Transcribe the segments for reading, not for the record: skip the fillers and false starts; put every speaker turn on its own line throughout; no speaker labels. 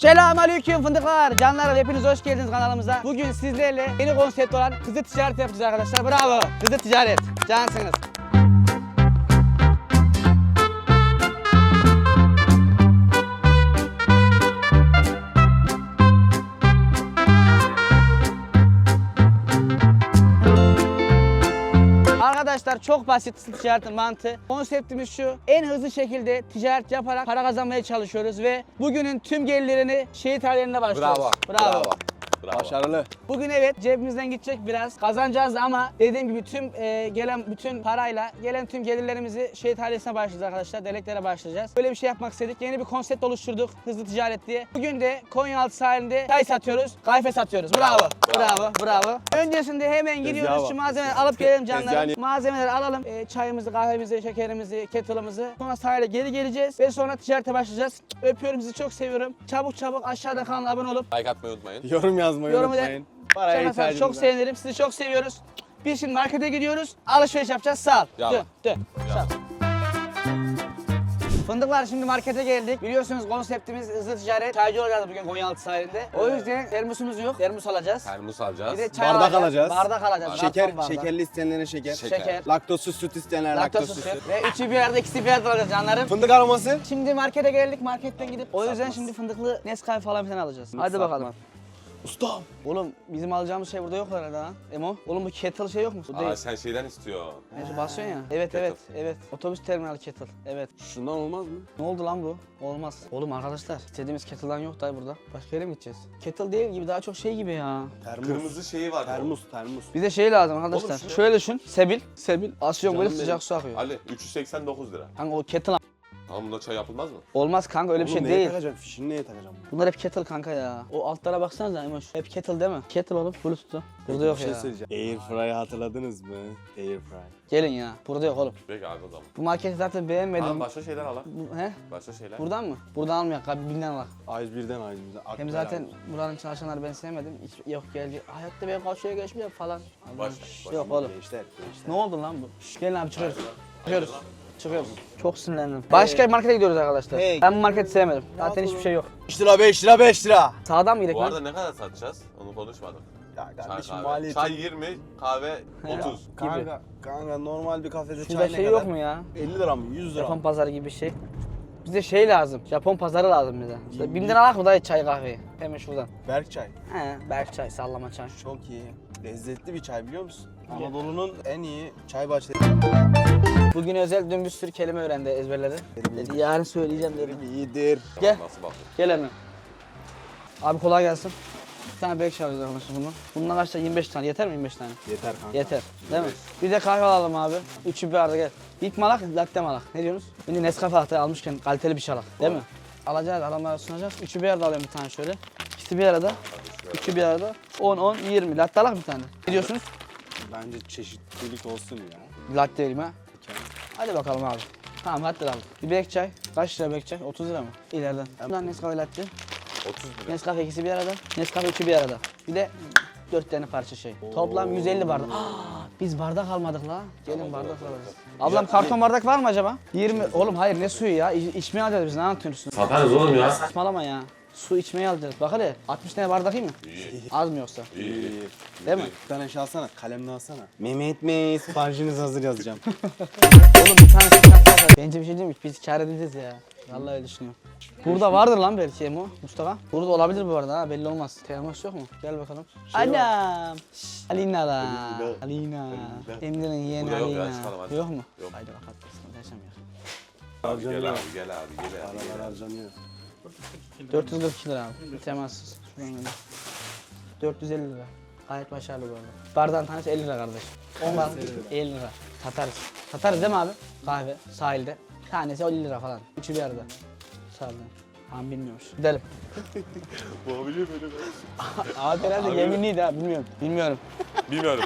Selamünaleyküm fındıklar, canlarım hepiniz hoş geldiniz kanalımıza. Bugün sizlerle yeni konsept olan hızlı ticaret yapacağız arkadaşlar. Bravo. Hızlı ticaret. Cansınız. Arkadaşlar çok basit hızlı ticaretin mantığı. Konseptimiz şu: en hızlı şekilde ticaret yaparak para kazanmaya çalışıyoruz ve bugünün tüm gelirlerini şehit hallerine başlıyoruz.
Bravo.
Başarılı.
Bugün evet cebimizden gidecek biraz kazanacağız ama dediğim gibi tüm gelen bütün parayla gelen tüm gelirlerimizi şehit ailesine başlayacağız arkadaşlar. Deleklere başlayacağız. Böyle bir şey yapmak istedik. Yeni bir konsept oluşturduk hızlı ticaret diye. Bugün de Konyaaltı sahilinde çay satıyoruz, kahve satıyoruz. Bravo. Öncesinde hemen gidiyoruz şu malzemeleri alıp gelelim canlarım. Malzemeleri alalım. Çayımızı, kahvemizi, şekerimizi, kettle'ımızı. Sonra sahile geri geleceğiz ve sonra ticarete başlayacağız. Öpüyorum, sizi çok seviyorum. Çabuk aşağıda kanala abone olup
Like atmayı unutmayın.
Yorum yazmayı unutmayın. Paraya ihtiyacımız
çok
var.
sevinirim. Sizi çok seviyoruz. Biz şimdi markete gidiyoruz. Alışveriş yapacağız. Sağ ol.
Yalan.
Dön. Sağ ol. Fındıklar, şimdi markete geldik. Biliyorsunuz konseptimiz hızlı ticaret. Çaycı olacağız bugün Konyaaltı sahilinde. O yüzden termosumuz yok. Termos alacağız.
Termos alacağız.
Bir de çay
Bardak alacağız.
Bardak alacağız.
Şeker,
Karton bardak.
şekerli isteyenlere şeker.
Şeker.
Laktozsuz süt isteyenlere
Laktozsuz
laktozsuz süt.
süt. Ve üçü bir yerde, ikisi bir yerde alacağız canlarım.
Fındık aroması.
Şimdi markete geldik. Marketten gidip o yüzden şimdi fındıklı Nescafe falan filan alacağız. Hadi bakalım.
Ustam.
Oğlum bizim alacağımız şey burada yok herhalde ha. Emo. Oğlum bu kettle şey yok mu? Bu değil.
Sen şeyden istiyor.
Neyse basıyorsun ya. Evet. Otobüs terminal kettle. Evet.
Şundan olmaz mı?
Ne oldu lan bu? Olmaz. Oğlum arkadaşlar, istediğimiz kettle'dan yok dayı burada. Başka yere mi gideceğiz? Kettle değil gibi, daha çok şey gibi ya.
Termos.
Kırmızı şeyi var.
Termos.
Bize şey lazım arkadaşlar.
Oğlum şu-
Şöyle düşün. Sebil. Asyon böyle
Canım
sıcak su akıyor.
Ali 389 lira.
Kanka o kettle
Tamam bunda çay yapılmaz mı?
olmaz kanka, öyle bir şey
Oğlum neye
değil.
takacağım? Fişini neye takacağım?
Bunlar hep kettle kanka ya. O altlara baksanıza Emoş. Hep kettle değil mi? Kettle oğlum. Bluetooth'u. Burada yok
Bir şey
ya.
söyleyeceğim. Airfry'ı hatırladınız mı? Airfry.
Gelin ya. Burada yok oğlum.
Peki abi o zaman.
Bu marketi zaten beğenmedim.
Tamam başka şeyler al.
He?
Başka şeyler.
Buradan mı? Buradan almayak abi, binden al.
A101'den.
Hem zaten buranın çalışanları ben sevmedim. Hiç, yok geldi. Hayatta ben karşıya geçmiyor falan.
Başla.
Yok oğlum.
Gençler.
Ne oldu lan bu? Gelin abi çıkıyoruz. Çıkıyoruz. Çok sinirlendim. Başka bir markete gidiyoruz arkadaşlar.
Hey.
Ben bu marketi sevmedim. Zaten hiçbir şey yok.
5 lira 5 lira 5 lira.
Sağdan mı gidelim
Bu
lan?
arada ne kadar satacağız? Onu konuşmadık.
Ya
Çay
kardeşim
kahve.
maliyeti.
Çay 20, kahve 30.
Kanka normal bir kafede
Şurada
çay ne
şey
kadar?
yok mu ya?
50 lira mı? 100 lira
Japon
mı?
pazarı gibi bir şey. Bize şey lazım. Japon pazarı lazım bize. İşte 1000 lira alak mı dayı çay kahveyi? Hemen şuradan.
Berk çay.
He, berk çay, sallama çay.
Çok iyi. Lezzetli bir çay biliyor musun? Anadolu'nun en iyi çay bahçeleri.
Bugün özel dün bir sürü kelime öğrendi, ezberledi. Dedi yarın söyleyeceğim dedi.
İyidir.
Gel.
Nasıl bakın?
Gel hemen. Abi kolay gelsin. Bir tane bek alacağız arkadaşlar bunu. Bundan kaç tane? 25 tane. Yeter mi 25 tane?
Yeter kanka.
Yeter. Değil mi? Bir de kahve alalım abi. Üçü bir arada gel. İlk malak, latte malak. Ne diyorsunuz? Şimdi Nescafe latte almışken kaliteli bir şey alak. Değil mi? Alacağız, adamlara sunacağız. Üçü bir arada alıyorum bir tane şöyle. İkisi bir arada. Üçü bir arada. 10, 20. Latte alak bir tane. Ne diyorsunuz?
Bence çeşitlilik olsun ya.
Latte vereyim ha. Hadi bakalım abi. Tamam latte alalım. Bir bek çay. Kaç lira bek çay? 30 lira mı? İleriden. Buradan Nescafe latte.
30 lira.
Nescafe ikisi bir arada. Nescafe üçü bir arada. Bir de 4 tane parça şey. Toplam 150 bardak. Biz bardak almadık la. Gelin bardak alırız. Ablam karton bardak var mı acaba? 20. Oğlum hayır ne suyu ya? İçmeye alacağız biz, ne anlatıyorsun?
Satarız oğlum ya.
Saçmalama ya. Su içmeye alacağız. Bak hele 60 tane bardak iyi mi? Az mı yoksa?
İyi.
Değil mi?
Bir tane şey alsana, kalemle alsana. Mehmet Bey, siparişiniz hazır yazacağım.
Oğlum bir tane şey. Bence bir şey değil mi? Biz kâr edeceğiz ya. Vallahi öyle düşünüyorum. Burada vardır lan belki Emo, Mustafa. Burada olabilir bu arada ha, belli olmaz. Termos yok mu? Gel bakalım. Anam. Alina la. Alina. Emre'nin yeğeni
Burada yok ya,
Alina.
çıkalım hadi.
Yok mu?
Yok.
Haydi bakalım. Yaşamıyor.
Abi gel abi gel abi gel abi.
Paralar harcanıyor.
442 lira abi. Temassız. Şuradan gönder. 450 lira. Gayet başarılı bu arada. Bardağın tanesi 50 lira kardeş. 10 bardak 50 lira. Satarız. Satarız değil mi abi? Kahve sahilde. Tanesi 50 lira falan. Üçü bir arada. Sağolun. Tamam bilmiyormuş. Gidelim.
Bu biliyor böyle.
Abi herhalde
Abi-
yeminliydi ha, bilmiyorum. Bilmiyorum.
Bilmiyorum.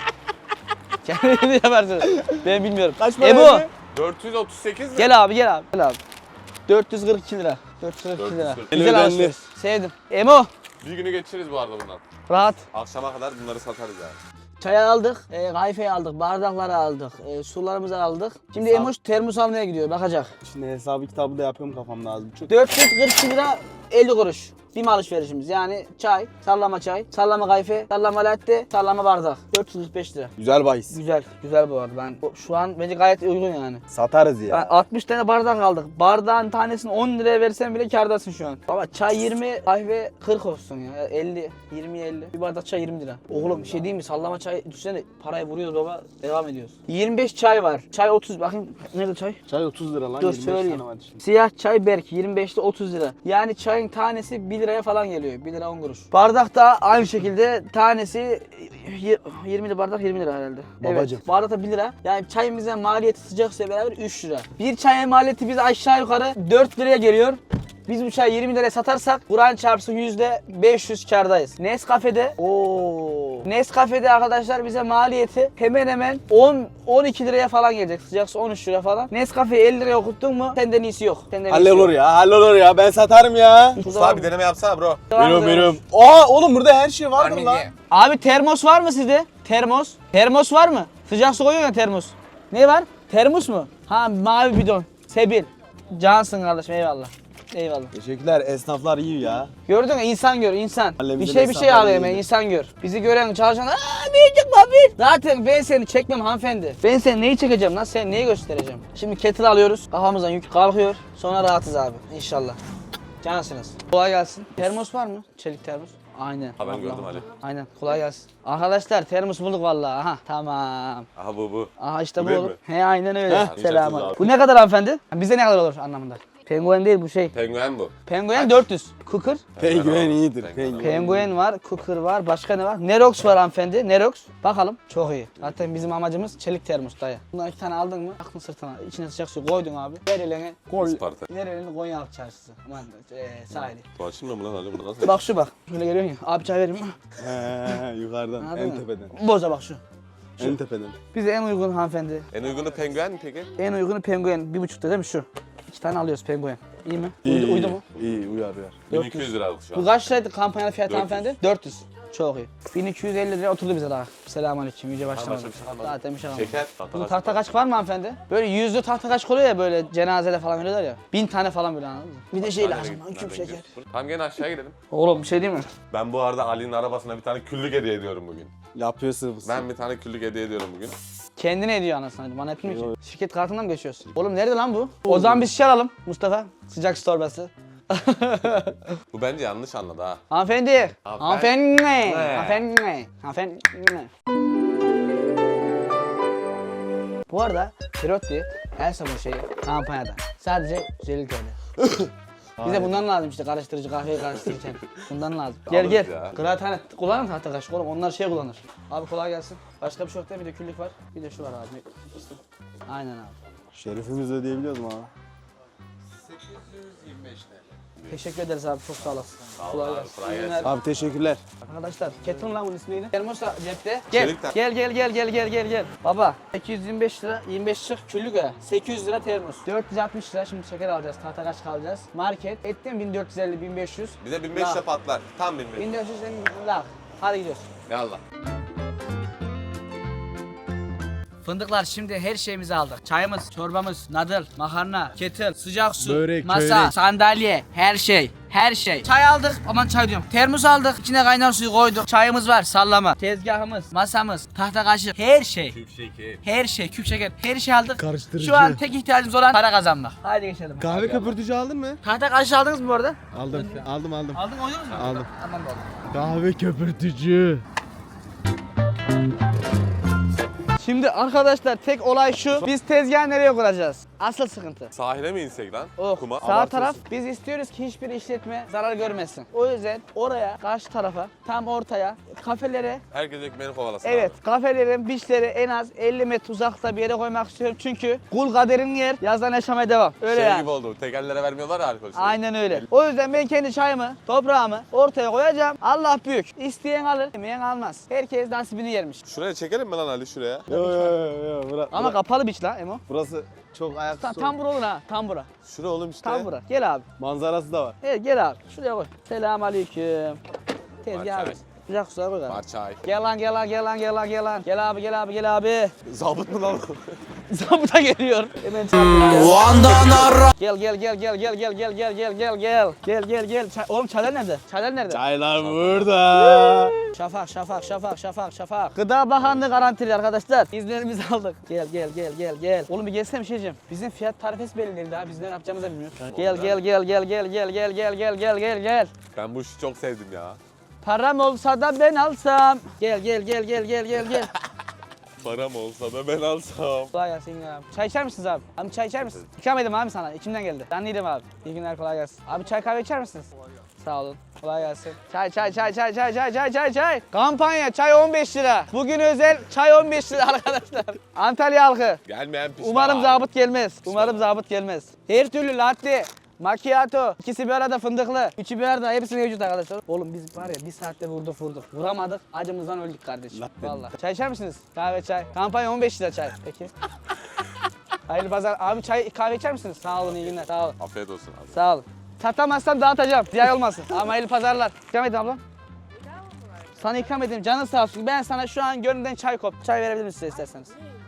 Kendiniz yaparsınız. Ben bilmiyorum.
Kaç para
Ebu!
verdi?
438 lira.
Gel abi gel abi. Gel abi. 442 lira. 442 lira.
442.
Güzel
Eli
alışveriş. Sevdim. Emo!
Bir günü geçiririz bu arada bundan.
Rahat.
Akşama kadar bunları satarız yani.
Çayı aldık, kahveyi aldık, bardakları aldık, sularımızı aldık. Şimdi Emoş termos almaya gidiyor, bakacak.
Şimdi hesabı kitabı da yapıyorum kafamda az buçuk.
442 lira 50 kuruş. BİM alışverişimiz. Yani çay, sallama kayfe, sallama latte, sallama bardak. 445 lira.
Güzel bahis.
Güzel, güzel bu arada. Şu an bence gayet uygun yani.
Satarız ya.
60 tane bardak aldık. Bardağın tanesini 10 liraya versen bile kârdasın şu an. Baba çay 20, kahve 40 olsun ya. 50, 20-50. Bir bardak çay 20 lira. Oğlum bir şey diyeyim mi? Sallama çay düşünsene parayı vuruyoruz baba. Devam ediyoruz. 25 çay var. Çay 30. Bakayım nerede çay?
Çay 30 lira lan.
Dur
25
söyleyeyim.
tane var içinde.
Siyah çay Berk 25'te 30 lira. Yani çayın tanesi 1 liraya falan geliyor. 1 lira 10 kuruş. Bardak da aynı şekilde tanesi 20 lira bardak 20 lira herhalde.
Babacım.
Evet. Bardak da 1 lira. Yani çayımızın maliyeti sıcak suyla beraber 3 lira. Bir çayın maliyeti bize aşağı yukarı 4 liraya geliyor. Biz bu çayı 20 liraya satarsak Kur'an çarpsın %500 kârdayız. Nescafe'de arkadaşlar bize maliyeti hemen hemen 10-12 liraya falan gelecek. Sıcak su 13 lira falan. Nescafe'yi 50 liraya okuttun mu senden iyisi yok.
Hallolur ya. Ben satarım ya.
Mustafa bir deneme yapsana bro.
Veriyorum. Aa oğlum burada her şey vardır lan.
Abi termos var mı sizde? Termos. Termos var mı? Sıcak su koyuyor ya termos. Ne var? Termos mu? Ha mavi bidon. Sebil. Cansın kardeşim eyvallah. Eyvallah.
Teşekkürler. Esnaflar iyi ya.
Gördün mü? İnsan gör, insan.
Mahallemizin
Bir şey
esnafları
alıyor
iyidir.
hemen, insan gör. Bizi gören çalışanlar, büyücük babir. Zaten ben seni çekmem hanımefendi. Ben seni neyi çekeceğim lan? Sen neyi göstereceğim? Şimdi kettle alıyoruz. Kafamızdan yük kalkıyor. Sonra rahatız abi. İnşallah. Cansınız. Kolay gelsin. Termos var mı? Çelik termos. Aynen.
Ha ben gördüm Ali.
Aynen. Kolay gelsin. Arkadaşlar termos bulduk vallahi. Aha tamam.
Aha bu.
Aha işte
Bu
bu
değil
olur.
mi?
He aynen öyle.
Heh.
Selam.
Abi.
Bu ne kadar hanımefendi? Bize ne kadar olur anlamında? Penguen değil bu şey.
Penguen bu.
Penguen 400. Cooker.
Penguen iyidir.
Penguen.
Penguen var, Cooker var, başka ne var? Nerox var hanımefendi, Nerox. Bakalım, çok iyi. Zaten bizim amacımız çelik termos dayı. Bundan 2 tane aldın mı, aklın sırtına, içine sıcak su koydun abi. Ver elini,
Isparta.
ver elini Konyaaltı çarşısı. Aman sahili.
Bu açılmıyor mu lan Ali? Bunu nasıl?
Bak şu bak, şöyle görüyorsun ya, abi çay vereyim mi?
Yukarıdan.
Anladın
En
mı?
tepeden.
Boza bak şu.
En tepeden.
Bize en uygun hanımefendi,
En uygunu penguen mi peki?
en uygunu penguen, 1,5'ta değil mi şu? 2 tane alıyoruz penguen. İyi mi? Uydu mu?
İyi uyar.
1200 liralık şu
Bu
an.
kaç liraydı kampanyalı fiyatı
400.
hanımefendi? 400. Çok iyi. 1250 liraya oturdu bize daha. Selamünaleyküm. Yüce başlamadı.
başka bir şey kalmadı.
Zaten bir şey kalmadı.
Şeker.
Bu tahta kaşık var mı hanımefendi? Böyle yüzlü tahta kaşık oluyor ya böyle cenazede falan veriyorlar ya. 1000 tane falan böyle anladın mı? Bir de şey lazım lan küp şeker.
Tamam gene aşağıya gidelim.
Oğlum bir şey değil mi?
Ben bu arada Ali'nin arabasına bir tane küllük hediye ediyorum bugün.
Yapıyor sıvısı.
Ben bir tane küllük hediye ediyorum bugün.
Kendine ediyor anasını. Bana etmiyor ki. Şirket kartından mı geçiyorsun? Oğlum nerede lan bu? O zaman biz şişe alalım Mustafa. Sıcak su torbası.
Bu bence yanlış anladı ha.
Hanımefendi. Hanımefendi.
Ne?
Hanımefendi. Hanımefendi. Bu arada Pirotti el sabun şeyi kampanyada. Sadece 150 TL. Bize bundan lazım işte karıştırıcı kahveyi karıştırırken. Bundan lazım. Gel
Alırız
gel.
ya.
Kıraathane kullanır mı tahta kaşık oğlum? Onlar şey kullanır. Abi kolay gelsin. Başka bir şey yok değil mi? Bir de küllük var. Bir de şu var abi. Aynen abi.
Şerifimizi ödeyebiliyoruz mu abi?
Teşekkür ederiz abi. Çok sağ olasın.
ol
Kolay
abi,
gelsin.
kolay
İyi
gelsin.
günler.
Abi teşekkürler.
Arkadaşlar Kettle'ın lan bunun ismi neydi? Termos da cepte. Gel.
Çelik ter-
Gel. Baba 825 lira 25 çık küllük ya. 800 lira termos. 460 lira şimdi şeker alacağız. Tahta kaşık alacağız. Market ettim 1450 1500.
Bize 1500
Ya.
patlar. Tam 1500.
1400 lira. Hadi gidiyoruz.
Yallah.
Fındıklar şimdi her şeyimizi aldık. Çayımız, çorbamız, nadıl, makarna, kettle, sıcak su,
Börek,
masa,
börek.
sandalye, her şey. Her şey. Çay aldık. Aman çay diyorum. Termos aldık. İçine kaynar suyu koyduk. Çayımız var. Sallama. Tezgahımız, masamız, tahta kaşık. Her şey. Her şey. Küp şeker. Her şey aldık.
Karıştırıcı.
Şu an tek ihtiyacımız olan para kazanmak. Haydi geçelim.
Kahve köpürtücü aldın mı?
Tahta kaşık aldınız mı bu arada?
Aldım.
Aldın oynadınız mı?
Aldım.
Tamam oldu.
Kahve köpürtücü.
Şimdi arkadaşlar tek olay şu. Biz tezgahı nereye kuracağız? Asıl sıkıntı.
Sahile mi insek lan?
Oh,
Kuma.
sağ
Abartıyorsun.
taraf biz istiyoruz ki hiçbir işletme zarar görmesin. O yüzden oraya karşı tarafa tam ortaya kafelere
Herkes ekmeğini kovalasın
evet
abi.
kafelerin beachleri en az 50 metre uzakta bir yere koymak istiyorum. Çünkü kul kaderin yer yazdan yaşamaya devam. Öyle
Şey
yani.
gibi oldu. Tekerlere vermiyorlar ya alkol.
Aynen öyle. O yüzden ben kendi çayımı, toprağımı ortaya koyacağım. Allah büyük. İsteyen alır, yemeyen almaz. Herkes nasibini yermiş.
Şuraya çekelim mi lan Ali şuraya?
Yo.
Ama kapalı beach la Emo.
Burası çok ayaksız.
Tam bura olur ha. Tam bura.
Şura oğlum işte.
Tam bura. Gel abi.
Manzarası da var.
Evet gel abi. Şuraya koy. Selamünaleyküm. Tezgah
Var
abi. Sıcak suya koy abi.
Var çay.
Gel lan gel lan gel lan gel lan gel lan. Gel abi gel abi gel abi.
Zabıt mı lan?
Zabıta geliyor. Hemen çarpıyor. Gel gel gel gel gel gel gel gel gel gel gel. Gel gel gel. Oğlum çaylar nerede? Çaylar nerede?
Çaylar burada.
Şafak şafak şafak şafak şafak. Gıda Bakanlığı garantili arkadaşlar. İzinlerimizi aldık. Gel gel gel gel gel. Oğlum bir gelsene bir şey diyeceğim. Bizim fiyat tarifesi belli değil daha. Biz ne yapacağımızı da bilmiyoruz. Gel gel gel gel gel gel gel gel gel gel gel gel.
Ben bu işi çok sevdim ya.
Param olsa da ben alsam. Gel gel gel gel gel gel gel.
Param olsa da ben alsam.
Kolay gelsin abi. Çay içer misiniz abi? Abi çay içer misiniz? İkram edeyim abi sana. İçimden geldi. Ben değilim abi. İyi günler kolay gelsin. Abi çay kahve içer misiniz? Sağ olun. Kolay gelsin. Çay çay çay çay çay çay çay çay çay. Kampanya çay 15 lira. Bugün özel çay 15 lira arkadaşlar. Antalya halkı.
Gelmeyen pişman.
Umarım zabıt gelmez. Umarım zabıt gelmez. Her türlü latte, macchiato, ikisi bir arada fındıklı, üçü bir arada hepsi mevcut arkadaşlar. Oğlum biz var ya bir saatte vurduk. Vuramadık, acımızdan öldük kardeşim. Vallahi. Çay içer misiniz? Kahve çay. Kampanya 15 lira çay. Peki. Hayırlı pazar. Abi çay kahve içer misiniz? Sağ olun iyi günler. Sağ olun.
Afiyet olsun abi.
Sağ olun. Satamazsam dağıtacağım. Ziyan olmasın. Ama hayırlı pazarlar. İkram edin ablam. Sana ikram edeyim. Canın sağ olsun. Ben sana şu an gönlümden çay kop. Çay verebilir miyim size isterseniz?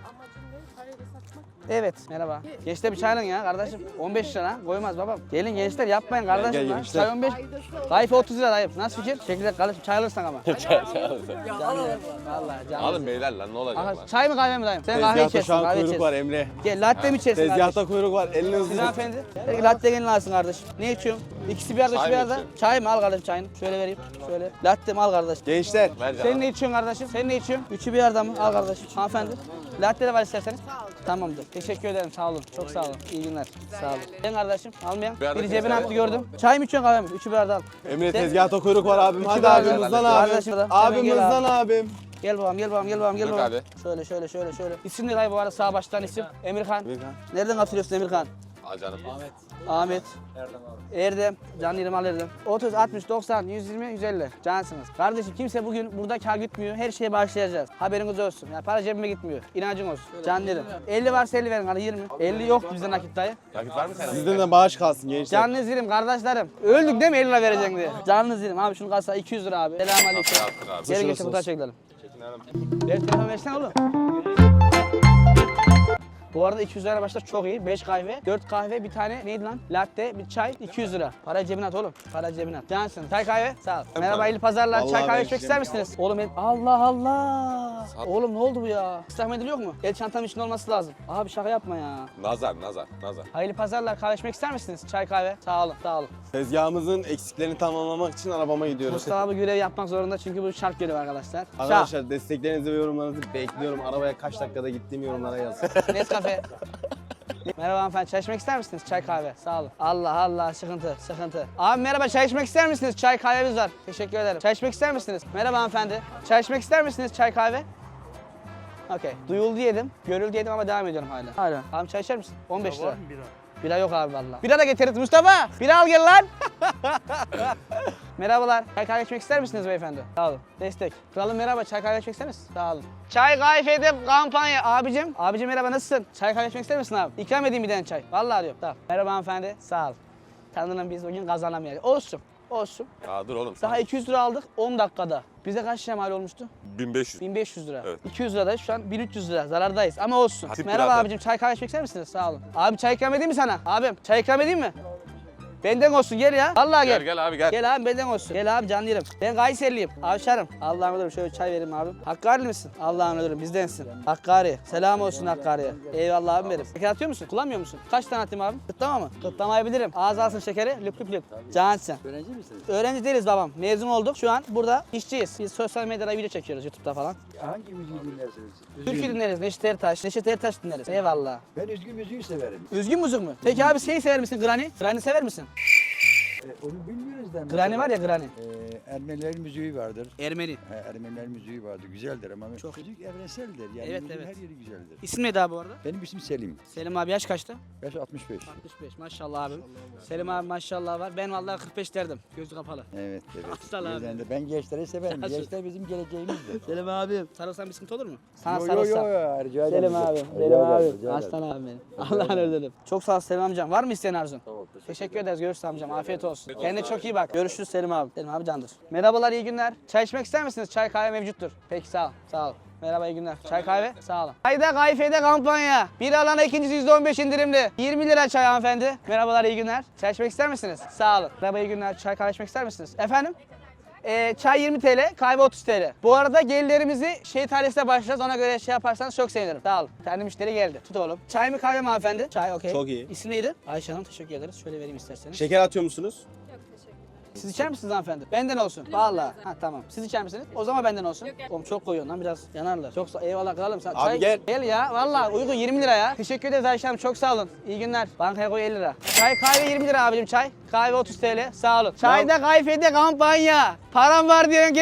Evet, merhaba. Gençler bir çay alın ya kardeşim. 15 lira koymaz babam. Gelin gençler yapmayın kardeşim
Gel
lan.
gençler.
Çay 15. Kayfe 30 lira dayım. Nasıl fikir? Teşekkürler kardeşim. Çay alırsan ama. Vallahi canım.
Alın beyler lan ne olacak
Aha,
lan?
çay mı kahve mi dayım? Sen kahve
Tezgahta
içersin,
şu an
kahve
kuyruk var
içersin.
Emre.
Gel latte mi içersin kardeşim?
Tezgahta kuyruk var. Elini
Siz
hızlı.
hanımefendi. Belki latte gelin alsın kardeşim. Ne içiyorsun? İkisi bir arada,
Çay
ikisi bir
mı
arada.
içiyorsun?
Çay mı? Al kardeşim çayını. Şöyle vereyim. Şöyle. Latte mi? Al kardeş.
Gençler.
Ver
Sen
canım.
ne içiyorsun kardeşim? Sen ne içiyorsun? Üçü bir arada mı? Al kardeşim. Hanımefendi. Latte de var isterseniz. Tamamdır. Teşekkür ederim. Sağ olun. Çok sağ olun. İyi günler. Sağ olun. Ben kardeşim. Almayan.
Bir arada
Biri cebine
keser.
attı gördüm. Çay mı içiyorsun kahve mi? Üçü bir arada al.
Emre
Sen-
tezgahta kuyruk var abim. Hadi
bardak.
abimizden
Kardeşim
abim.
de. Hemen
Abimizden
gel
abim.
Gel babam, gel babam, gel babam, gel
Buyur
babam.
abi.
Şöyle. İsim ne dayı bu arada sağ baştan isim? Emirhan.
Emirhan.
Nereden katılıyorsun Emirhan?
Al canım.
Ahmet. Erdem. Can yerim al Erdem. 30, 60, 90, 120, 150. Cansınız. Kardeşim kimse bugün burada kar gitmiyor. Her şeye başlayacağız. Haberiniz olsun. Ya para cebime gitmiyor. İnancın olsun. Can yerim. 50 varsa 50 verin. Hani 20. 50 yok bizde nakit dayı.
Nakit var mı senin?
Sizden de bağış kalsın gençler.
Canınız yerim kardeşlerim. Öldük değil mi 50 lira vereceksin diye. Canınız yerim. Abi şunu kasa 200 lira abi. Selamünaleyküm.
Afiyet olsun abi.
Geri
Şurası
getir fotoğraf
olsun.
çekelim. Ver telefon versene oğlum. Bu arada 200 lira başlar çok iyi. 5 kahve, 4 kahve, bir tane neydi lan? Latte, bir çay, 200 lira. Para cebine at oğlum. Para cebine at. Cansın. Çay kahve. Sağ ol. Merhaba hayırlı pazarlar.
Vallahi
Çay kahve
ben
içmek ister misiniz? Oğlum Allah Allah. Oğlum ne oldu bu ya? İslah mendili yok mu? El çantam içinde olması lazım. Abi şaka yapma ya.
Nazar.
Hayırlı pazarlar. Kahve içmek ister misiniz? Çay kahve. Sağ olun. Sağ olun.
Tezgahımızın eksiklerini tamamlamak için arabama gidiyoruz.
Mustafa abi görev yapmak zorunda çünkü bu şart görev arkadaşlar.
Arkadaşlar desteklerinizi ve yorumlarınızı bekliyorum. Arabaya kaç dakikada gittiğim yorumlara yazın.
Nescafe. Merhaba hanımefendi, çay içmek ister misiniz? Çay kahve, sağ olun. Allah, sıkıntı. Abi merhaba, çay içmek ister misiniz? Çay kahvemiz var. Teşekkür ederim. Çay içmek ister misiniz? Merhaba hanımefendi. Çay içmek ister misiniz? Çay kahve. Okey. Duyuldu yedim, görüldü yedim ama devam ediyorum hala. Abi çay içer misin? 15 lira. Bira yok abi vallahi. Bira da getiririz Mustafa. Bira al gel lan. Merhabalar. Çay kahve içmek ister misiniz beyefendi? Sağ olun. Destek. Kralım merhaba. Çay kahve içmek ister misiniz? Sağ olun. Çay kahvede kampanya. Abicim. Abicim merhaba nasılsın? Çay kahve içmek ister misin abi? İkram edeyim bir tane çay. Vallahi diyorum. Tamam. Merhaba hanımefendi. Sağ ol. Tanrı'nın biz bugün kazanamayacağız. Olsun.
Ya dur oğlum.
Daha 200 lira aldık 10 dakikada. Bize kaç lira mal olmuştu?
1500.
1500 lira.
Evet.
200 liradayız şu an 1300 lira zarardayız ama olsun.
Tip
Merhaba
biraz
abicim çay kahve içmek ister misiniz? Sağ olun. Abi çay ikram edeyim mi sana? Abim çay ikram edeyim mi? Benden olsun gel ya. Vallahi gel.
Gel abi gel.
Gel abi benden olsun. Gel abi canlı yerim. Ben Kayserliyim. Avşarım. Allah'ım ölürüm. Şöyle çay vereyim abim. Hakkari misin? Allah'ım ölürüm. Bizdensin. Hakkari. Selam olsun Hakkari'ye. Eyvallah abim benim. Şeker atıyor musun? Kullanmıyor musun? Kaç tane atayım abim? Kıtlama mı? Kıtlamayı bilirim. Ağız alsın şekeri. Lüp lüp lüp. Cansın.
Öğrenci misiniz?
Öğrenci değiliz babam. Mezun olduk. Şu an burada işçiyiz. Biz sosyal medyada video çekiyoruz YouTube'da falan.
Hangi müziği dinlersiniz?
Türkü dinleriz. Neşet Ertaş. Neşet Ertaş dinleriz. Eyvallah.
Ben üzgün müziği severim.
Üzgün müzik mü? Peki abi şeyi sever misin? Granny? Granny sever misin?
Onu bilmiyoruz da.
Granny var ya Granny.
Ermenilerin müziği vardır.
Ermeni.
Ermenilerin müziği vardır. Güzeldir ama müzik evrenseldir. Yani
Evet,
müziğin
evet.
her yeri güzeldir.
İsim neydi abi bu arada?
Benim isim Selim.
Selim abi yaş kaçtı?
Yaş 65.
65 maşallah abim. Selim abi maşallah var. Ben vallahi 45 derdim. Gözü kapalı.
Evet, evet.
Sağ ol abi.
Yüzden de ben gençleri severim.
Sağ ol.
Gençler bizim geleceğimizdir.
Selim abim. Sarılsan bir sıkıntı olur mu? Sana
Yo,
sarılsam.
rica ederim.
Selim abi.
Rica
Selim
ederim,
abi.
rica ederim.
Aslan abim benim. Allah'ın özledim. Çok sağ ol Selim amcam. Var mı isteyen arzun?
Tamam,
Teşekkür ederiz. Görüşürüz amcam. Afiyet olsun. Kendine çok iyi bak. Görüşürüz Selim abi. Selim abi candır. Merhabalar, iyi günler. Çay içmek ister misiniz? Çay kahve mevcuttur. Peki sağ ol. Sağ ol. Merhaba, iyi günler. Çay kahve? Sağ olun. Çayda kayfede kampanya. Bir alana ikincisi %15 indirimli. 20 lira çay hanımefendi. Merhabalar, iyi günler. Çay içmek ister misiniz? Sağ olun. Merhaba, iyi günler. Çay kahve içmek ister misiniz? Efendim? Çay 20 TL, kahve 30 TL. Bu arada gelirlerimizi şehit ailesine başlayacağız. Ona göre şey yaparsanız çok sevinirim. Sağ olun. Bir tane müşteri geldi. Tut oğlum. Çay mı kahve mi hanımefendi? Çay, okey.
Çok iyi.
İsim neydi? Ayşe Hanım, teşekkür ederiz. Şöyle vereyim isterseniz.
Şeker atıyor musunuz?
Siz içer misiniz hanımefendi? Benden olsun. Vallahi. Ha tamam. Siz içer misiniz? O zaman benden olsun. Oğlum çok koyuyorsun lan, biraz yanarlar. Çok eyvallah kralım. Sen
Abi gel.
Gel ya. Vallahi uygun 20 lira ya. Teşekkür ederiz Ayşe Hanım. Çok sağ olun. İyi günler. Bankaya koy 50 lira. Çay kahve 20 lira abicim çay. Kahve 30 TL. Sağ olun. Çayda kayfede kampanya. Param var diyorsun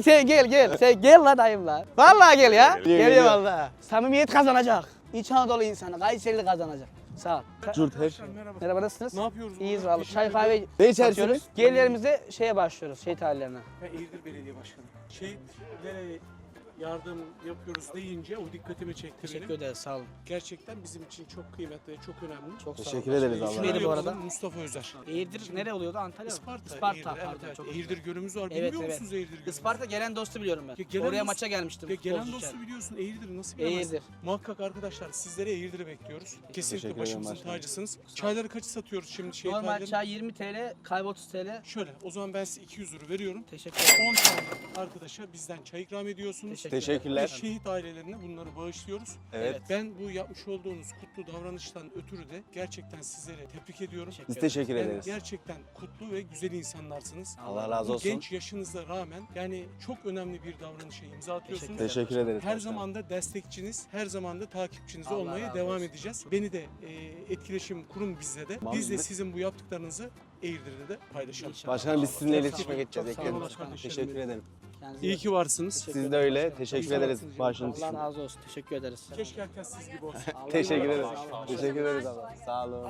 gel. Sen gel la dayım la. Vallahi gel ya. Geliyor vallahi. Samimiyet kazanacak. İç Anadolu insanı. Kayserili kazanacak. Sağ ol.
Curt her şey.
Merhaba, nasılsınız?
Ne yapıyoruz?
İyiyiz
burada?
vallahi. Çay kahve
Ne içersiniz?
satıyoruz. Gelirlerimize şeye başlıyoruz. Şehit ailelerine.
Ben Eğirdir Belediye Başkanı. Şehitlere yardım yapıyoruz deyince o dikkatimi çekti
Teşekkür
benim.
ederiz. Sağ olun.
Gerçekten bizim için çok kıymetli ve çok önemli.
Çok sağ olun.
Teşekkür ederiz
İsim
Allah
neydi
razı
bu
olsun.
arada?
Mustafa Özer.
Eğirdir nere oluyordu? Antalya mı?
Isparta.
Isparta.
Eğirdir,
Pardon.
evet,
Çok
evet.
özür
Eğirdir Gölümüz var.
Evet,
Biliyor
evet.
musunuz Eğirdir Gölü'nü?
Isparta gelen dostu biliyorum ben.
Ya gelen
Oraya
dost-
maça gelmiştim.
Ya gelen
futbolcu
dostu
için.
biliyorsun Eğirdir'i nasıl bilemezsin?
Eğirdir.
Muhakkak arkadaşlar sizlere Eğirdir'i bekliyoruz. Kesinlikle
Teşekkür ederim
başımızın
başkanım.
tacısınız. Çayları kaçı satıyoruz şimdi şehit
Normal
ailelerine?
çay 20 TL, kahve 30 TL.
Şöyle o zaman ben size 200 lira veriyorum.
Teşekkür ederim.
10 tane arkadaşa bizden çay ikram ediyorsunuz.
Teşekkür
Ve
Teşekkürler.
şehit ailelerine bunları bağışlıyoruz.
Evet.
Ben bu yapmış olduğunuz kutlu davranıştan ötürü de gerçekten sizlere tebrik ediyorum.
Biz teşekkür
Yani
ederiz.
gerçekten kutlu ve güzel insanlarsınız.
Allah razı
Bu
olsun.
genç yaşınıza rağmen yani çok önemli bir davranışa imza atıyorsunuz.
Teşekkür ederiz.
Her
başkanım.
zaman da destekçiniz, her zaman da takipçiniz
Allah
olmaya
razı
devam
olsun.
edeceğiz. Beni de etkileşim kurun bizle de. Biz de sizin bu yaptıklarınızı Eğirdir'de de paylaşalım.
İnşallah.
Başkanım biz sizinle
Çok sağ
iletişime
olun.
geçeceğiz.
Çok sağ olun
Ekleriz.
başkanım.
Teşekkür ederim.
Kendinize
İyi ki varsınız.
Siz de öyle. Teşekkür ederiz. Başınız
Allah
için.
razı olsun. Teşekkür ederiz.
Keşke herkes siz gibi olsun.
Allah
Teşekkür
razı
ederiz.
olsun.
Teşekkür ederiz abla. Sağ olun.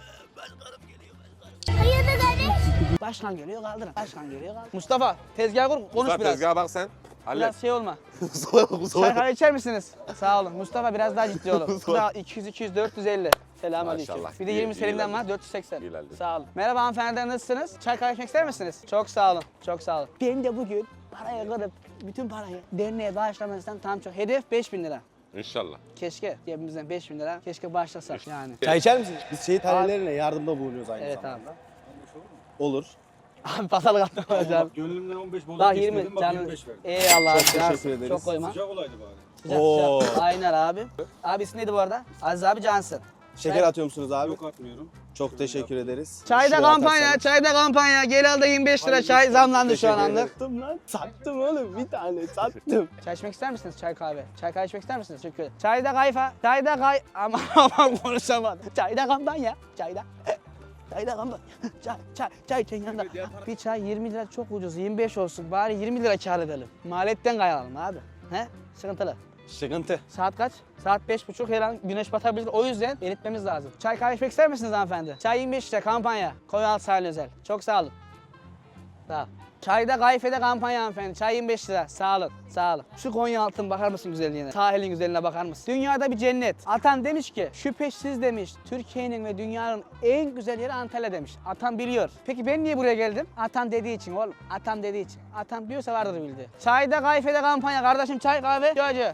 Başkan geliyor kaldırın. Başkan geliyor kaldırın. Mustafa tezgah kur, konuş
Mustafa
biraz.
tezgaha bak sen. Hallet.
Biraz şey olma. Çay kahve içer misiniz? Sağ olun. Mustafa biraz daha ciddi olun. Bu da 200, 200, 450. Selamünaleyküm.
Maşallah.
Bir de
İyi-
20
iyi
Selim'den
ilerledin.
var 480.
İyi ilerledin.
Sağ olun. Merhaba hanımefendiler, nasılsınız? Çay kahve içmek ister misiniz? Çok sağ olun. Çok sağ olun. Ben de bugün parayı kırıp bütün parayı derneğe bağışlamanızdan tam çok. Hedef 5000 lira.
İnşallah.
Keşke cebimizden 5000 lira keşke bağışlasak yani.
Çay içer misiniz? Biz şehit ailelerine yardımda bulunuyoruz aynı
Evet
zamanda.
abi.
Olur.
Abi pazarlık attım hocam.
Gönlümden 15 bozuk
Bak
istedim,
20
bak
canım.
25 verdim.
Eyvallah.
Çok
abi.
teşekkür ederiz.
Çok koyma.
Sıcak olaydı bari.
Sıcak,
Oo.
sıcak. Aynen abi. Abi ismi neydi bu arada? Aziz abi Cansın.
Şeker atıyor musunuz abi?
Yok atmıyorum.
Çok teşekkür ederiz.
Çayda
Şuraya
kampanya,
atarsanız.
çayda kampanya. Gel al da 25 lira çay zamlandı şu an
Teşekkür
anlık.
ederim. Sattım lan. Sattım oğlum. Bir tane sattım.
Çay içmek ister misiniz? Çay kahve. Çay kahve içmek ister misiniz? Teşekkür ederim. Çayda kayfa. Çayda kay... Aman konuşamadım. Çayda kampanya. Çayda. Çayda kampanya. Çay için yanında. Bir çay 20 lira çok ucuz. 25 olsun. Bari 20 lira kâr edelim. Maliyetten kayalım abi. He? Sıkıntılı.
Sıkıntı.
Saat kaç? Saat 5.30, her an güneş batabilir. O yüzden belirtmemiz lazım. Çay kahve içmek ister misiniz hanımefendi? Çay 25 lira kampanya. Konyaaltı sahil özel. Çok sağ olun. Sağ ol. Çayda kayfede kampanya hanımefendi. Çay 25 lira. Sağ olun. Sağ olun. Şu Konyaaltı'na bakar mısın güzelliğine? Sahilin güzelliğine bakar mısın? Dünyada bir cennet. Atan demiş ki şüphesiz demiş Türkiye'nin ve dünyanın en güzel yeri Antalya demiş. Atan biliyor. Peki ben niye buraya geldim? Atan dediği için oğlum. Atan dediği için. Atan diyorsa vardır bildiği. Çayda kayfede kampanya kardeşim, çay kahve. Çocuğu.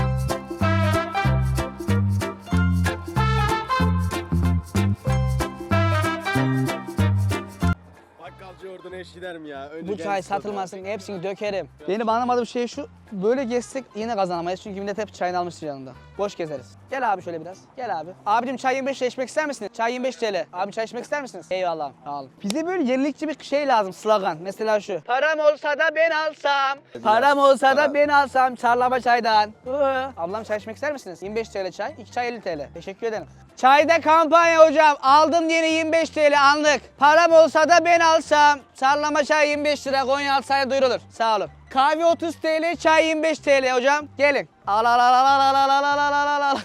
Bakkalcı oradan eş gider mi ya? Önce
Bu
gel
çay
sat abi.
satılmasın, hepsini dökerim. Benim anlamadığım şey şu, böyle gezsek yine kazanamayız çünkü millet hep çayını almıştır yanında. Boş gezeriz. Gel abi şöyle biraz, gel abi. Abicim çay 25 lira içmek ister misiniz? Çay 25 TL. Abi çay içmek ister misiniz? Eyvallah, sağ olun. Bize böyle yenilikçi bir şey lazım, slogan. Mesela şu. Param olsa da ben alsam, param olsa da ben alsam çarlama çaydan. Ablam çay içmek ister misiniz? 25 TL çay, 2 çay 50 TL. Teşekkür ederim. Çayda kampanya hocam. Aldım yeni 25 TL anlık. Param olsa da ben alsam. Sarlama çay 25 lira. Konyaaltı sahile duyurulur. Sağ olun. Kahve 30 TL, çay 25 TL hocam. Gelin. Al al al al al al al al al al al.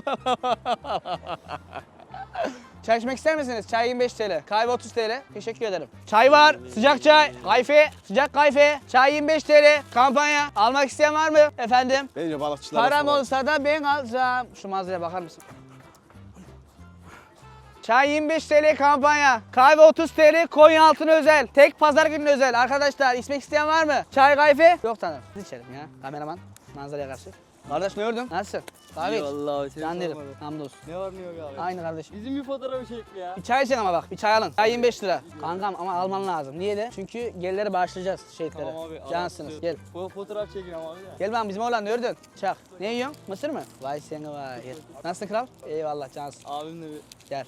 Çay içmek ister misiniz? Çay 25 TL. Kahve 30 TL. Teşekkür ederim. Çay var. Sıcak çay. Kayfe. Sıcak kayfe. Çay 25 TL. Kampanya. Almak isteyen var mı? Efendim?
Bence balıkçılara
Param
soralım.
olsa da ben alsam. Şu manzaraya bakar mısın? Çay 25 TL kampanya. Kahve 30 TL Konyaaltı özel. Tek pazar günü özel. Arkadaşlar içmek isteyen var mı? Çay kahve? Yok tanrım. Biz içelim ya. Kameraman. Manzaraya karşı. Kardeş ne gördün? Nasılsın? Kahve iç.
Vallahi
Can derim. Hamdolsun.
Ne var ne yok abi?
Aynı kardeşim.
Bizim bir fotoğrafı çekti ya.
Bir çay için ama bak. Bir çay alın. Çay 25 lira. Kankam ama alman lazım. Niye de? Çünkü gelirleri bağışlayacağız şehitlere.
Tamam abi.
Cansınız. Gel.
Fotoğraf çekin ama abi de.
Gel ben bizim oğlan ne gördün? Çak. Ne yiyorsun? Mısır mı? Vay seni vay. Gel. Nasılsın kral? Eyvallah cansın.
Abimle bir...
Gel.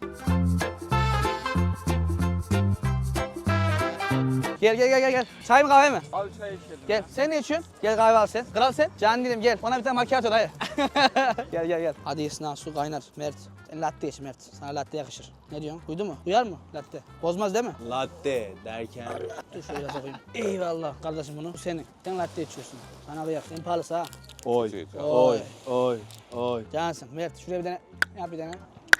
Gel. Çay mı kahve mi?
Abi çay içelim.
Gel. Sen ne içiyorsun? Gel kahve al sen. Kral sen. Can dedim gel. Ona bir tane macchiato dayı. Gel. Hadi yesin ha su kaynar. Mert. Sen latte iç Mert. Sana latte yakışır. Ne diyorsun? Uydu mu? Uyar mı latte? Bozmaz değil mi?
Latte derken.
Dur şöyle biraz okuyayım. Eyvallah kardeşim bunu. Bu senin. Sen latte içiyorsun. Sana kıyak. En pahalısı ha.
Oy.
Oy.
Oy.
Cansın. Mert şuraya bir tane yap bir tane.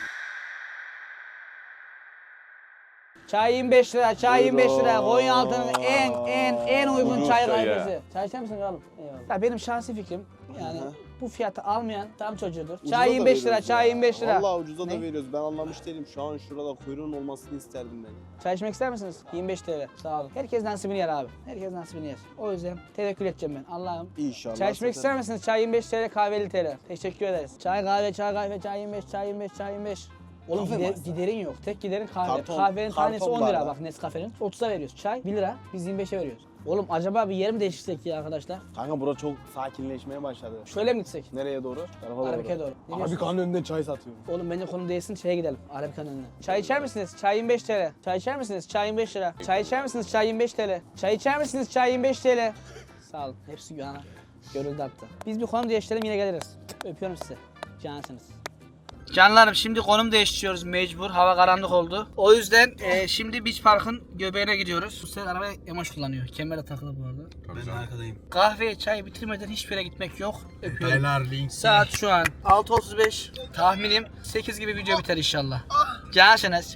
Çay 25 lira, çay 25 lira. Konyaaltı'nın en uygun
Ucuz
çay
çay ya.
kahvesi. Çay içer misin kralım? Eyvallah. Ya benim şahsi fikrim yani bu fiyatı almayan tam çocuğudur. Çay 25 lira, çay 25 lira.
Vallahi ucuza
Ne?
da veriyoruz. Ben anlamış değilim. Şu an şurada kuyruğun olmasını isterdim ben.
Çay içmek ister misiniz? 25 TL. Sağ olun. Herkes nasibini yer abi. Herkes nasibini yer. O yüzden tevekkül edeceğim ben. Allah'ım.
İnşallah.
Çay içmek ister misiniz? Çay 25 TL, kahve 50 TL. Teşekkür ederiz. Çay 25, çay 25. Oğlum giderin yok. Tek giderin kahve.
Karton,
Kahvenin tanesi
karton
10 lira
bardağı.
bak Nescafe'nin. 30'a veriyoruz. Çay 1 lira. Biz 25'e veriyoruz. Oğlum acaba bir yer mi değiştirsek ya arkadaşlar?
Kanka bura çok sakinleşmeye başladı.
Şöyle mi gitsek?
Nereye doğru? Tarafa doğru.
Arabika'ya doğru. Ne diyorsun?
Arabikanın önünde çay satıyor.
Oğlum bence konu değilsin şeye gidelim. Arabika'nın önüne. Çay içer misiniz? Çay 25 TL. Çay içer misiniz? Çay 25 lira. Çay içer misiniz? Çay 25 TL. Çay içer misiniz? Çay 25 TL. Sağ olun. Hepsi güvana. Görüldü hatta. Biz bir konum değiştirelim yine geliriz. Öpüyorum sizi. Cansınız. Canlarım şimdi konum değiştiriyoruz mecbur. Hava karanlık oldu. O yüzden şimdi Beach Park'ın göbeğine gidiyoruz. Bu sefer arabayı Emoş kullanıyor. Kemere takılı bu arada.
Ben arkadayım.
Kahve, çay bitirmeden hiçbir yere gitmek yok. Öpüyorum. Saat şu an 6.35. Tahminim 8 gibi video biter inşallah. Cansınız.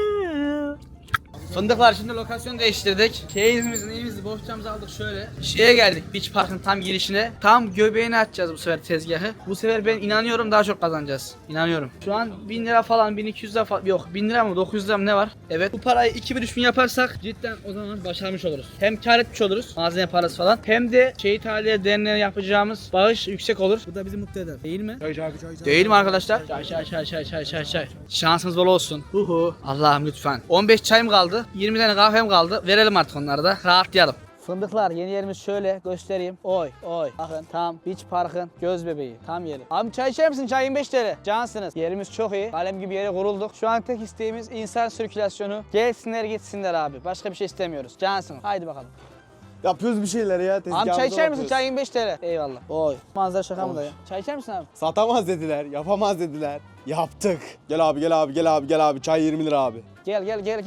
Fındıklar şimdi lokasyon değiştirdik. Keyifimizin iyimizi bohçamızı aldık şöyle. Şeye geldik Beach Park'ın tam girişine. Tam göbeğine açacağız bu sefer tezgahı. Bu sefer ben inanıyorum daha çok kazanacağız. İnanıyorum. Şu an 1000 lira falan 1200 lira falan yok 1000 lira mı 900 lira mı ne var? Evet bu parayı 2000-3000 yaparsak cidden o zaman başarmış oluruz. Hem kar etmiş oluruz malzeme parası falan. Hem de Şehit Aliye Derneği'ne yapacağımız bağış yüksek olur. Bu da bizi mutlu eder. Değil mi? Çay. Değil mi arkadaşlar? Çay. Şansınız bol olsun. Allah'ım lütfen. 15 çayım kaldı. 20 tane kahvem kaldı. Verelim artık onları da. Rahatlayalım. Fındıklar yeni yerimiz şöyle göstereyim. Oy. Bakın tam Beach Park'ın göz bebeği. Tam yeri. Abi çay içer misin? Çay 25 TL. Cansınız. Yerimiz çok iyi. Kalem gibi yere kurulduk. Şu an tek isteğimiz insan sirkülasyonu. Gelsinler gitsinler abi. Başka bir şey istemiyoruz. Cansınız. Haydi bakalım.
Yapıyoruz bir şeyler ya.
Abi çay içer misin? Çay 25 TL. Eyvallah. Oy. Manzara şaka mı da ya? Çay içer misin abi?
Satamaz dediler, yapamaz dediler. Yaptık. Gel abi. Çay 20 lira abi.
Gel.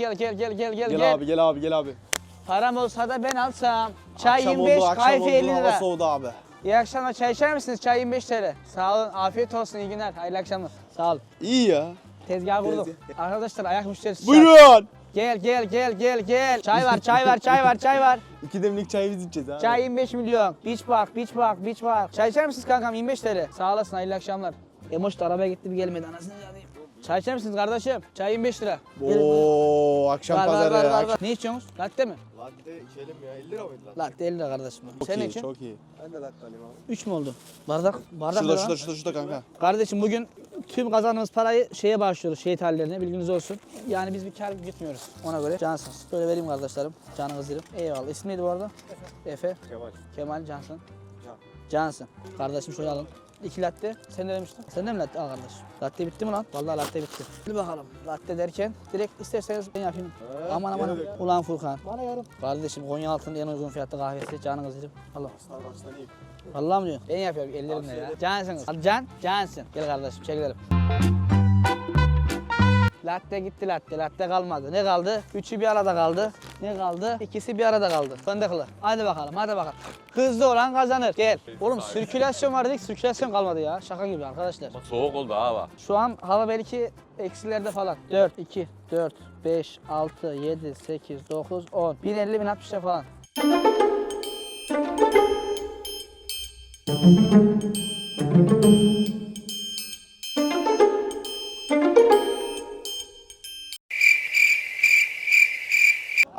Gel abi.
Param olsa da ben alsam. Çay
Akşam
25,
oldu, akşam
kahve
oldu,
50
hava
lira.
soğudu abi.
İyi akşamlar. Çay içer misiniz? Çay 25 TL. Sağ olun. Afiyet olsun. İyi günler. Hayırlı akşamlar. Sağ olun.
İyi ya.
Tezgah kurduk. Arkadaşlar ayak müşterisi.
Buyurun.
Gel. Çay var.
2 demlik çay biz içeceğiz abi.
Çay 25 milyon. Beach Park. Çay içer misiniz kankam? 25 TL. Sağ olasın. Hayırlı akşamlar. Emoş da arabaya gitti bir gelmedi. Anasını satayım. Çay içer misiniz kardeşim? Çay 25 lira.
Oo, akşam pazarı.
Var. Ne içiyorsunuz? Latte mi?
Latte içelim ya. 50 lira mıydı lan?
Latte 50 lira kardeşim.
Çok
Senin
iyi,
için?
çok iyi. Ben de latte alayım abi.
3 mü oldu? Bardak ne lan?
Şurada kanka.
Kardeşim bugün tüm kazandığımız parayı şeye bağışlıyoruz, şehit hallerine bilginiz olsun. Yani biz bir kar gitmiyoruz ona göre. Cansınız. Böyle vereyim kardeşlerim. Canınız yerim. Eyvallah. İsmi neydi bu arada? Efe. Kemal Cansın. Cansın. Kardeşim şöyle alın. 2 latte. Sen ne demiştin? Sen de mi latte? Al kardeş. Latte bitti mi lan? Vallahi latte bitti. Hadi bakalım. Latte derken direkt isterseniz ben yapayım. Aman. Ulan Furkan. Bana yarın. Kardeşim Konyaaltı'nın en uygun fiyatlı kahvesi. Canınız yerim. Allah. Vallahi mi diyorsun? Ben yapıyorum ellerimle ya. Cansınız. Hadi Cansın. Gel kardeşim çekilelim. Latte gitti latte. Latte kalmadı. Ne kaldı? Üçü bir arada kaldı. Ne kaldı? İkisi bir arada kaldı. Fındıklı. Hadi bakalım. Hızlı olan kazanır. Gel. Oğlum sirkülasyon var dedik. Sirkülasyon kalmadı ya. Şaka gibi arkadaşlar.
Soğuk oldu hava.
Şu an hava belki eksilerde falan. 4, 2, 4, 5, 6, 7, 8, 9, 10. 1050, 1060 falan.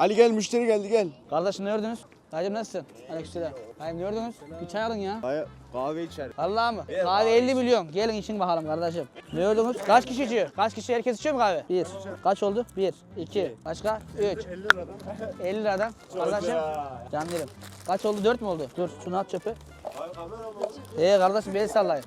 Ali gel müşteri geldi gel.
Kardeşim ne gördünüz? Dayıcım nasılsın? Aleykümselam. Dayım ne gördünüz? Bir çay alın ya.
Hayır kahve içer.
Vallahi mı? Kahve 50 milyon. Gelin için bakalım kardeşim. Ne gördünüz? Kaç kişi içiyor? Kaç kişi? Herkes içiyor mu kahve? 1. Kaç oldu? 1, 2. Başka? 3. 50 liradan. Kardeşim. Can derim. Kaç oldu? 4 mü oldu? Dur şunu at çöpe. Kardeşim beni sallayın.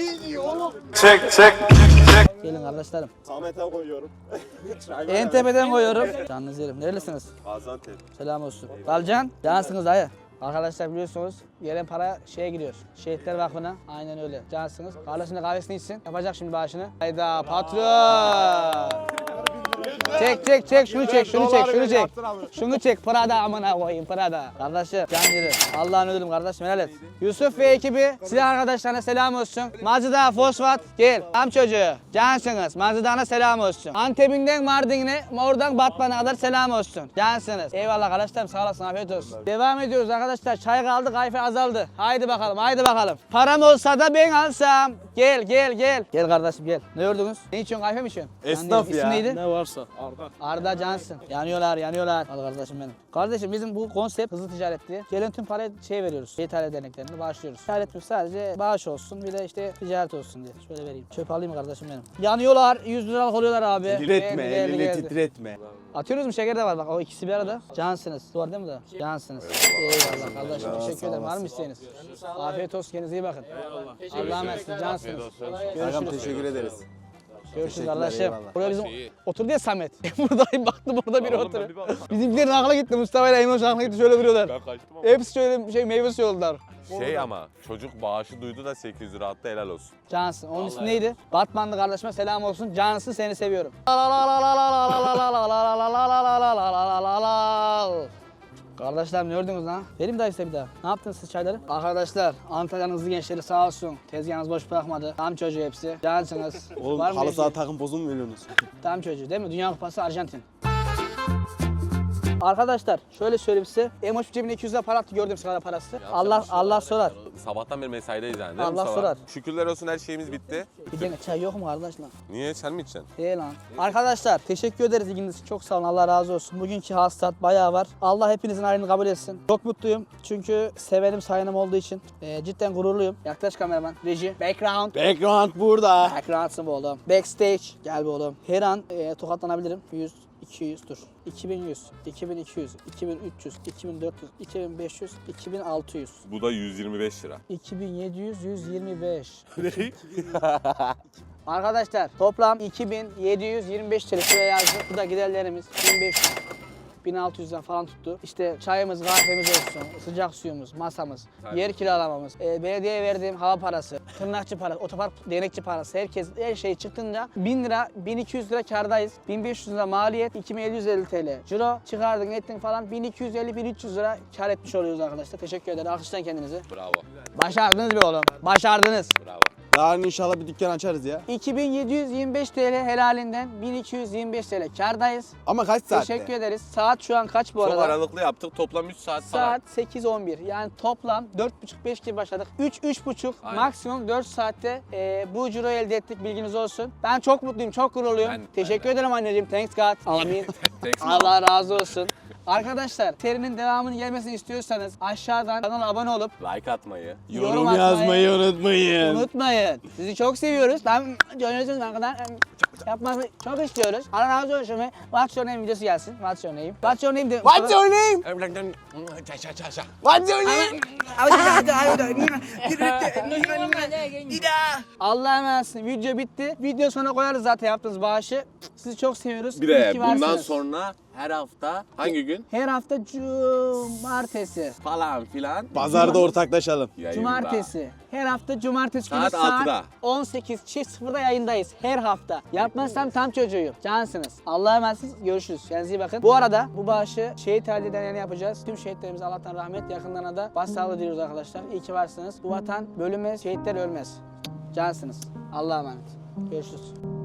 Gelin kardeşlerim.
Samet'e koyuyorum.
En tepeden koyuyorum. Canınızı yerim. Nerelisiniz?
Gaziantep.
Selam olsun. Kalcan, cansınız dayı. Arkadaşlar biliyorsunuz gelen para şeye gidiyor. Şehitler Vakfı'na. Aynen öyle. Cansınız. Kardeşine kahvesini içsin. Yapacak şimdi bağışını. Hayda patron. Çek şunu çek. Şunu çek Prada amına koyayım Prada. Kardeşim can yerim. Allah'ın ödülüm kardeşim helal et. Yusuf ve ekibi silah arkadaşlarına selam olsun. Mazıda Fosfat gel. Tam çocuğu. Cansınız. Mazıda'na selam olsun. Antep'inden Mardin'e oradan Batman'a kadar selam olsun. Cansınız. Eyvallah arkadaşlarım sağ olasın afiyet olsun. Devam ediyoruz arkadaşlar. Çay kaldı kayfe azaldı. Haydi bakalım. Param olsa da ben alsam. Gel. Gel kardeşim gel. Ne gördünüz? Ne içiyorsun kahve mi içiyorsun?
Esnaf
İsim
ya.
neydi?
Ne varsa.
Arda Cansın. Yanıyorlar. Al kardeşim benim. Kardeşim bizim bu konsept hızlı ticaretli. Gelen tüm parayı veriyoruz. İthalat derneklerine bağışlıyoruz. İthalat yok sadece bağış olsun bir de işte ticaret olsun diye. Şöyle vereyim. Çöp alayım kardeşim benim. Yanıyorlar. 100 liralık oluyorlar abi.
Titretme
Geldi,
elini
geldi.
titretme.
Atıyoruz mu şeker de var bak o ikisi bir arada. Cansınız. Doğru değil mi da? Cansınız. Eyvallah kardeşim teşekkür ederim. Var mı isteğiniz? Afiyet olsun kendinize iyi bakın. Allah'a emanet Cansınız.
Kankam
Görüşürüz.
teşekkür ederiz.
Görüşürüz
Teşekkürler,
kardeşim.
eyvallah.
Buraya bizim oturdu ya Samet. Buradayım baktım orada biri oturuyor. Bizimkilerin akla gitti. Mustafa ile Eymoş akla gitti şöyle duruyorlar.
Ben kaçtım ama.
Hepsi şöyle meyve suyu oldular.
Ama çocuk bağışı duydu da 800 lira attı helal olsun.
Cansın. Onun ismi neydi? Batmanlı kardeşime selam olsun. Cansın seni seviyorum. Kardeşler ne gördünüz lan? Vereyim dayı size bir daha. Ne yaptınız siz çayları? Arkadaşlar Antalya'nın hızlı gençleri sağ olsun. Tezgahınız boş bırakmadı. Tam çocuğu hepsi. Cansınız.
Oğlum
Var mı
halı saha
bir şey?
takım pozu mu veriyorsunuz?
Tam çocuğu değil mi? Dünya Kupası Arjantin. Arkadaşlar şöyle söyleyeyim size. Emoş cebine 200 lira para attı gördüm sigara parası. Allah sorar.
Sabahtan beri mesaideyiz yani değil mi
Allah
Mustafa?
sorar.
Şükürler olsun her şeyimiz bitti.
Bir tane çay yok mu kardeş lan?
Niye sen mi içeceksin?
Değil lan. Arkadaşlar teşekkür ederiz ilginiz için. Çok sağ olun. Allah razı olsun. Bugünkü hasılat bayağı var. Allah hepinizin ayrını kabul etsin. Çok mutluyum. Çünkü sevenim sayanım olduğu için. Cidden gururluyum. Yaklaş kameraman. Reji. Background.
Background burada.
Backgroundsın bu oğlum. Backstage. Gel bu oğlum. Her an tokatlanabilirim. 100, 200 dur. 2100, 2200, 2300, 2400, 2500, 2600.
Bu da 125 lira.
2700, 125. Arkadaşlar toplam 2725 TL şuraya yazdık. Bu da giderlerimiz 1500. 1600'den falan tuttu. İşte çayımız, kahvemiz olsun, sıcak suyumuz, masamız, yer kiralamamız, belediyeye verdiğim hava parası, tırnakçı parası, otopark denekçi parası, her şey çıktığında 1000 lira, 1200 lira kârdayız. 1500 lira maliyet, 2750 TL. Ciro çıkardın, ettin falan 1250-1300 lira kâr etmiş oluyoruz arkadaşlar. Teşekkür ederim. Alkışlayın kendinizi.
Bravo.
Başardınız be oğlum. Başardınız.
Bravo.
Yarın inşallah bir dükkan açarız ya.
2725 TL helalinden 1225 TL kârdayız.
Ama kaç saatte?
Teşekkür ederiz. Saat şu an kaç bu
Çok
arada?
aralıklı yaptık. Toplam 3 saat falan.
Saat 8-11 yani toplam 4.30-5 gibi başladık. 3-3.5
Aynen.
maksimum 4 saatte bu ciroyu elde ettik bilginiz olsun. Ben çok mutluyum, çok gururluyum. Teşekkür ederim anneciğim. Thanks God. Amin. Allah razı olsun. Arkadaşlar serinin devamının gelmesini istiyorsanız aşağıdan kanala abone olup
Like atmayı.
Yorum yazmayı unutmayın.
unutmayın. Sizi çok seviyoruz. Görüyorsunuz ne kadar yapması çok istiyoruz. Allah razı olsun. What's your name videosu gelsin. What's your name? What's your name?
What's your name? What's your name?
Allah'a emanetsin. Video bitti. Video sonra koyarız zaten yaptığınız bağışı. Sizi çok seviyoruz.
Bir
İyi
de
ki
bundan
varsınız.
sonra her hafta hangi gün
Her hafta cumartesi.
falan filan.
Pazarda ortaklaşalım.
Yayında.
Cumartesi. Her hafta cumartesi günü
Saat
saat
6'da.
18.00'da yayındayız. Her hafta. Yapmazsam tam çocuğuyum. Cansınız. Allah'a emanetsiniz. Görüşürüz. Kendinize iyi bakın. Bu arada bu bağışı şehit halde deneyeni yapacağız. Tüm şehitlerimize Allah'tan rahmet, yakınlarına da başsağlığı diliyoruz arkadaşlar. İyi ki varsınız. Bu vatan bölünmez, şehitler ölmez. Cansınız. Allah'a emanet. Görüşürüz.